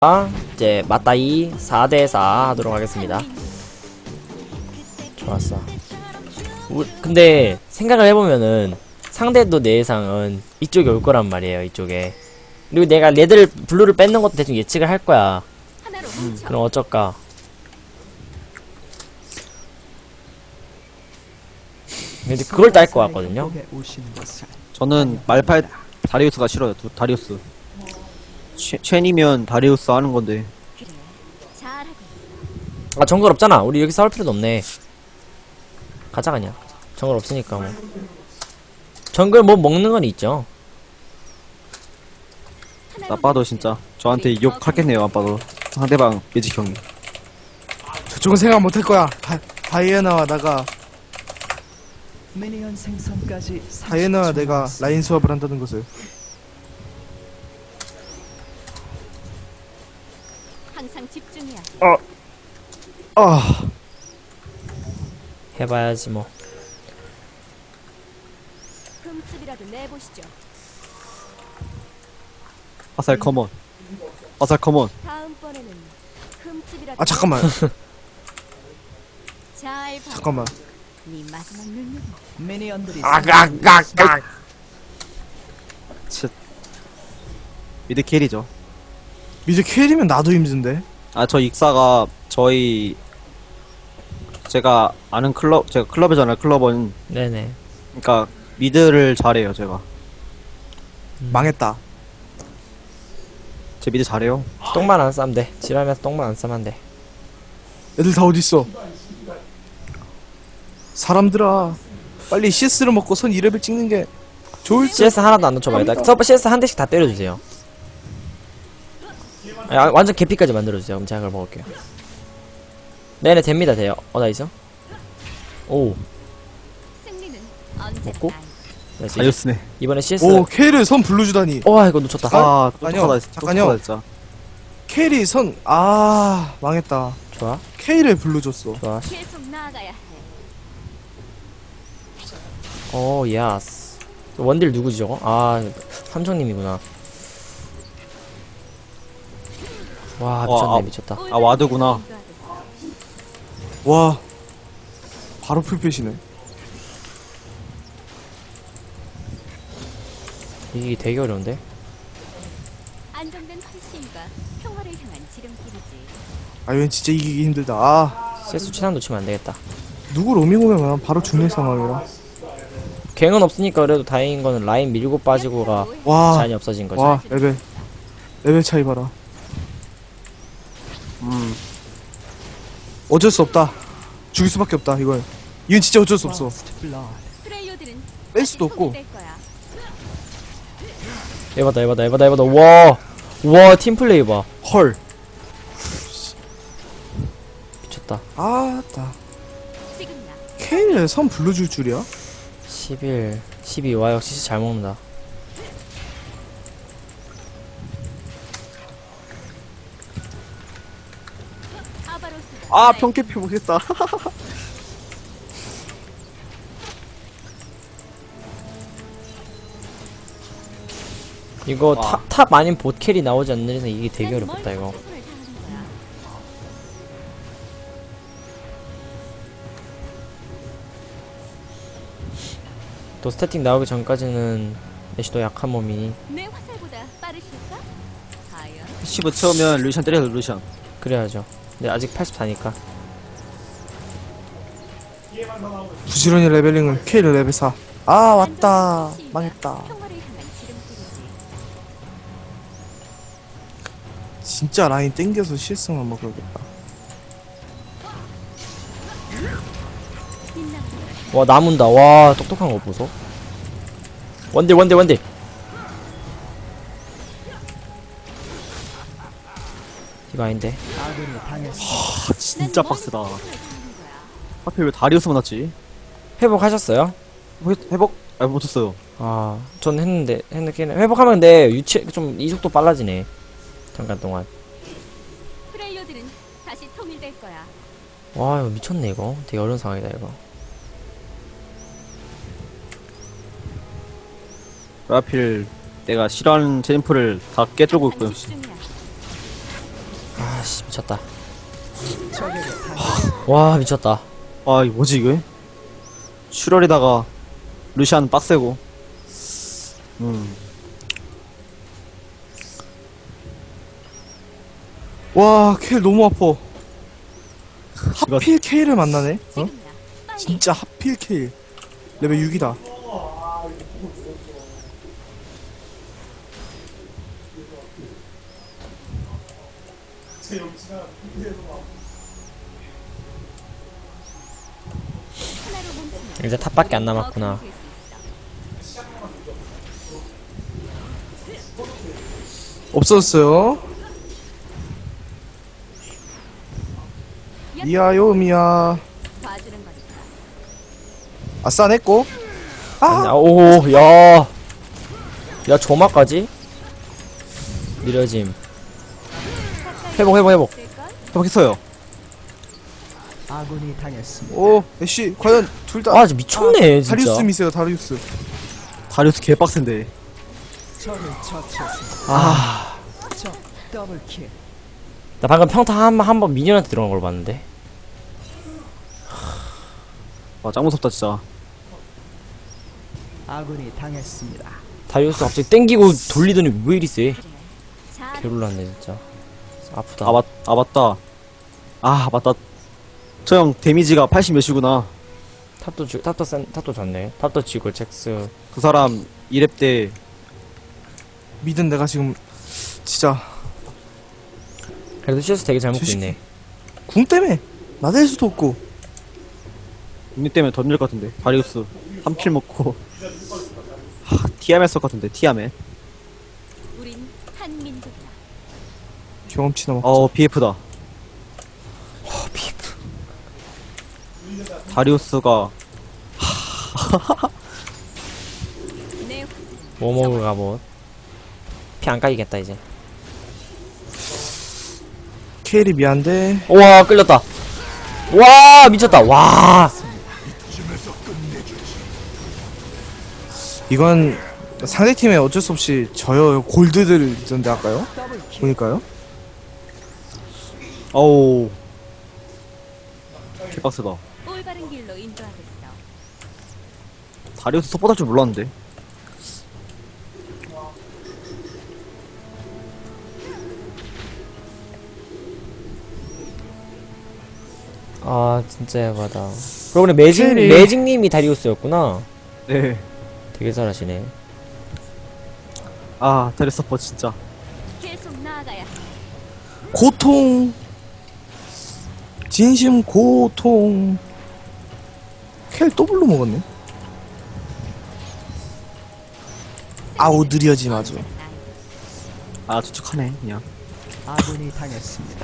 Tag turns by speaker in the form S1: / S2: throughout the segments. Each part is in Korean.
S1: 이제 맞다이 4대4 하도록 하겠습니다. 좋았어. 근데 생각을 해보면은 상대도 내 예상은 이쪽에 올 거란 말이에요. 이쪽에. 그리고 내가 레드를 블루를 뺏는 것도 대충 예측을 할 거야. 그럼 어쩔까? 근데 그걸 딸 것 같거든요.
S2: 저는 말팔 다리우스가 싫어요. 다리우스. 첸이면 다리우스 하는 건데.
S1: 아 정글 없잖아. 우리 여기 싸울 필요도 없네. 가자 그냥. 정글 없으니까 뭐. 정글 뭐 먹는 건 있죠.
S2: 나빠도 진짜 저한테 욕하겠네요. 아빠도 상대방 매직 형이.
S3: 저쪽은 생각 못할 거야. 다이애나와 나가
S4: 미니언 생성까지
S3: 다이애나와 내가 라인 수업을 한다는 것을.
S5: 항상 집중해야 돼.
S1: 해봐야지 뭐.
S5: 흠집이라도 내보시죠.
S2: 화살 커먼. 화살 커먼.
S5: 다음번에는 흠집이라도.
S3: 아 잠깐만.
S5: 잘 봐.
S3: 잠깐만.
S5: 네 마지막 눈물.
S4: 미니언들이
S1: 아각각각.
S2: 미드 캐리죠.
S3: 이제 캐리면 나도 힘든데.
S2: 아 저 익사가 저희 제가 아는 제가 클럽이잖아요. 클럽은
S1: 네네.
S2: 그러니까 미드를 잘해요. 제가
S3: 망했다.
S2: 제 미드 잘해요.
S1: 똥만 안 싸면 돼. 지랄면서 똥만 안 싸면 돼.
S3: 애들 다 어딨어? 사람들아, 빨리 CS를 먹고 선 2레벨 찍는 게 좋을 듯.
S1: CS 하나도 안 놓쳐봐요. 나 서버 CS 한 대씩 다 때려주세요. 아, 완전 개피까지 만들어주세요. 그럼 제가 그걸 먹을게요. 네네 됩니다. 돼요. 나이스. 오
S5: 승리는 언제나
S1: 먹고?
S5: 나의.
S1: 나이스.
S2: 다리우스네.
S1: 이번에 CS.
S3: 오, 캐리 선 블루주다니.
S1: 와 이거 놓쳤다.
S2: 아
S3: 아니요.
S2: 똑똑하다.
S3: 잠깐요.
S2: 똑똑하다 진짜.
S3: 캐리 선, 망했다.
S1: 좋아
S3: K를 블루 줬어.
S1: 좋아.
S5: 계속 나아가야 해.
S1: 오 야스. 원딜 누구지 저거? 삼성님이구나. 와 미쳤네. 미쳤다.
S2: 아, 와드구나.
S3: 와, 바로 풀패시네.
S1: 이게 되게 어려운데.
S5: 안정된 환심과 평화를 향한 지름길이지.
S3: 이건 진짜 이기기 힘들다.
S1: CS 최단 놓치면 안 되겠다.
S3: 누구 로밍 오면 바로 죽는 상황이라.
S1: 갱은 없으니까 그래도 다행인 거는 라인 밀고 빠지고가
S3: 와,
S1: 제한이 없어진 거지.
S3: 와, 레벨 차이 봐라. 어쩔 수 없다. 죽일 수밖에 없다, 이걸. 이건 진짜 어쩔 수 없어.
S5: 프레이어들은
S3: 뺄 수도
S5: 다시 통일될
S3: 없고.
S5: 거야.
S1: 에바다. 와 팀플레이 봐.
S3: 헐.
S1: 미쳤다.
S3: 아따.
S5: 지금 나.
S3: 케일에 선 불러줄 줄이야?
S1: 11 12. 와 역시 잘 먹는다.
S5: 아바로스가
S2: 평캐피 보겠다.
S1: 이거
S2: 와.
S1: 탑 아닌 봇 캐리 나오지 않는 이상 이게 되게
S5: 난
S1: 어렵겠다 이거.
S5: 뭘 최선을 다하는 거야.
S1: 또 스태틱 나오기 전까지는 애쉬도 약한 몸이니
S5: 내 화살보다 빠르실까? 과연
S2: 10을 채우면 루시안 때려요. 루시안.
S1: 그래야죠. 근데 아직 84니까.
S3: 부지런히 레벨링을 케일 레벨 4. 왔다.
S5: 안정된
S3: 망했다.
S5: 평화를 향한 지름길이지.
S3: 진짜 라인 땡겨서 CS만 먹어야겠다.
S5: 빛나는
S1: 와 나문다. 와 똑똑한 거 보소. 원딜. 이거 아닌데.
S4: 아군이 당했습니다.
S2: 진짜 빡세다.
S5: 거야.
S2: 하필 왜 다리우스만 났지?
S1: 회복하셨어요?
S2: 회복? 못했어요.
S1: 전 했는데 회복하면 근데 좀 이속도 빨라지네. 잠깐 동안.
S5: 프레이어들은 다시 통일될 거야.
S1: 와 이거 미쳤네 이거. 되게 어려운 상황이다 이거.
S2: 하필 내가 싫어하는 젠프를 다 깨뜨리고 있고요.
S5: 집중해야 해.
S1: 씨, 미쳤다.
S4: 적에게 당했습니다.
S1: 와, 미쳤다.
S2: 아, 이거 뭐지, 이게? 출혈에다가, 루시안 빡세고.
S3: 와, 켈 너무 아파.
S2: 이거-
S3: 하필 K를 만나네? 어?
S5: 지금이야. 빨리.
S3: 진짜 하필 K. 레벨 6이다.
S5: 하나로 뭉치면
S1: 이제 탑밖에 안
S5: 더
S1: 남았구나.
S5: 강해질 수 있어.
S3: 없어졌어요. 미아요, 미아.
S5: 봐주는 거니까.
S3: 아싸, 냈고.
S1: 아, 오, 야. 야, 조마까지? 느려짐. 회복.
S5: 될걸?
S2: 회복했어요.
S4: 아군이 당했습니다.
S3: 오, 애쉬, 과연 둘 다.
S1: 아, 진짜 미쳤네, 진짜.
S3: 다리우스 미세요, 다리우스.
S2: 다리우스 개빡센데.
S4: 적을 처치했습니다.
S1: 아,
S4: 적 더블킬.
S1: 나 방금 평타 한 번 미니언한테 들어간 걸 봤는데.
S2: 와, 짱 무섭다, 진짜.
S4: 아군이 당했습니다.
S1: 다이오스 갑자기 땡기고 돌리더니 왜 이리 세?
S5: 잘
S1: 개놀랐네, 진짜. 아프다.
S2: 맞다. 아, 맞다. 저 형, 데미지가 80 몇이구나.
S1: 탑도 졌네. 탑도 지고, 잭스.
S2: 그 사람, 2렙 때,
S3: 믿은 내가 지금, 진짜,
S1: 그래도 CS 되게 잘 먹고
S3: 주식-
S1: 있네.
S3: 궁 때문에 나댈 수도 없고.
S2: 언니 때문에 던질 것 같은데. 다리우스, 3킬 먹고. 하, 티아멧 쓸 것 같은데, 티아멧.
S5: 우린 한민족이야.
S3: 경험치 넘어.
S2: BF다.
S1: 비프.
S2: 다리우스가,
S5: 내
S1: 뭐 먹을까, 뭐. 피 안 까이겠다, 이제.
S3: 케일이 미안데.
S1: 우와, 끌렸다. 와, 미쳤다. 와.
S3: 이건 상대팀에 어쩔 수 없이 저요 골드들 있던데 할까요?
S4: 더블킬.
S3: 보니까요?
S2: 어우. 개빡세다.
S5: 올바른 길로 인도하겠어.
S2: 다리우스 속보다 줄 몰랐는데.
S1: 아, 진짜 야바다. 그러고 보니
S3: 캐리.
S1: 매직님이 다리우스였구나.
S2: 네.
S1: 되게 잘하시네.
S2: 아, 다리우스 서퍼 진짜.
S5: 계속 나아가야 해.
S3: 고통. 진심 고통. 켈 더블로 먹었네. 아우 느려짐 아주.
S2: 아, 추측하네, 그냥.
S4: 아군이 당했습니다.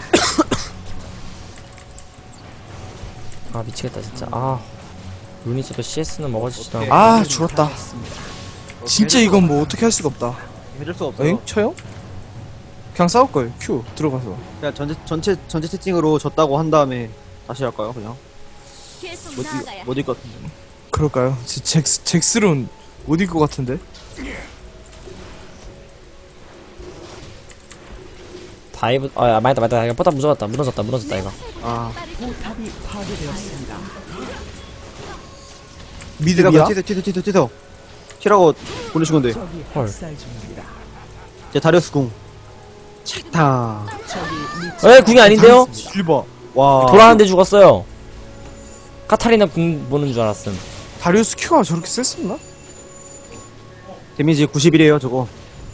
S1: 아, 미치겠다, 진짜. 아. 루니스도 CS는 먹어주지도 않고.
S3: 아 죽었다.
S4: 당했습니다.
S3: 진짜 이건 뭐 어떻게 할 수가 없다.
S2: 해줄 수가 없어요.
S3: 엥? 쳐요? 그냥 싸울걸. 큐 들어가서.
S2: 그냥 전체 채팅으로 졌다고 한 다음에 다시 할까요, 그냥?
S5: 계속
S2: 못
S5: 나아가야 해.
S2: 이길 것 같은데.
S3: 그럴까요? 잭스론 못 이길 것 같은데.
S1: 다이브, 아, 맞다. 이거 포탑 무너졌다, 이거.
S2: 아.
S4: 포탑이 파괴되었습니다.
S3: 미드야?
S2: 티서. 티라고 보내신 건데.
S4: 적이
S1: 헐.
S4: 학살 중입니다.
S2: 이제 다리우스 궁. 차
S4: 적이 미치.
S1: 에, 궁이 아닌데요?
S3: 실버.
S2: 와.
S1: 돌아가는데 죽었어요. 카타리나 궁 보는 줄 알았음.
S3: 다리우스 큐가 저렇게 셌었나?
S2: 데미지 91이에요, 저거.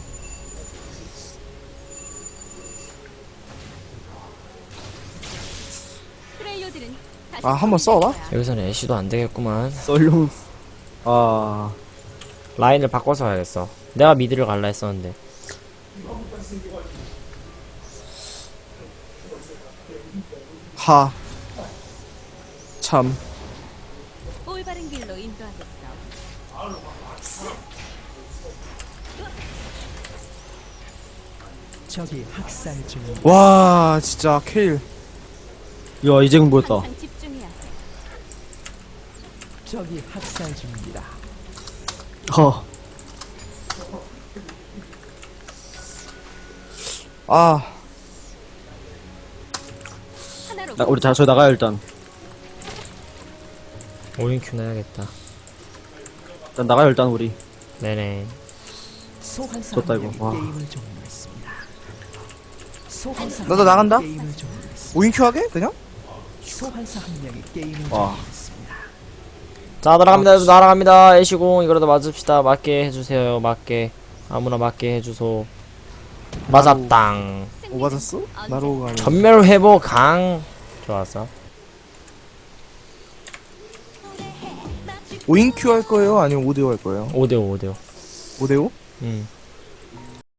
S5: 프렐료들은 다시
S3: 아, 한번 싸워봐?
S5: 거야.
S1: 여기서는 애쉬도 안 되겠구만.
S2: 썰룡. 아.
S1: 라인을 바꿔서 가야겠어. 내가 미드를 갈라 했었는데.
S3: 하. 참.
S5: 올바른 길로 인도하겠어.
S4: 적이 학살 중입니다.
S3: 와 진짜 케일.
S2: 야, 이제 궁 보였다.
S5: 항상 집중해야 해.
S4: 적이 학살 중입니다.
S3: 아.
S5: 하나로
S2: 우리 저희 나가요 일단.
S1: 5인큐 나야겠다.
S2: 일단 나가요 일단 우리.
S1: 네네.
S4: 소환사
S2: 좋다,
S4: 한
S2: 이거.
S4: 명이
S2: 와.
S4: 게임을 종료했습니다. 소환사
S3: 나도
S4: 한
S3: 나간다?
S4: 명이 게임을 종료했습니다.
S3: 5인큐 하게? 그냥?
S4: 소환사 한 명이 게임을
S2: 와.
S4: 종료했습니다.
S1: 자, 날아갑니다. 날아갑니다. 애쉬공, 이거라도 맞읍시다. 맞게 해주세요. 맞게. 아무나 맞게 해주소. 맞았당.
S3: 뭐 맞았어? 나로가 아니야.
S1: 전멸 회복 강. 좋았어.
S3: 5인큐 할 거예요? 아니면 5대5 할 거예요?
S1: 5대5, 5대5.
S3: 5대5?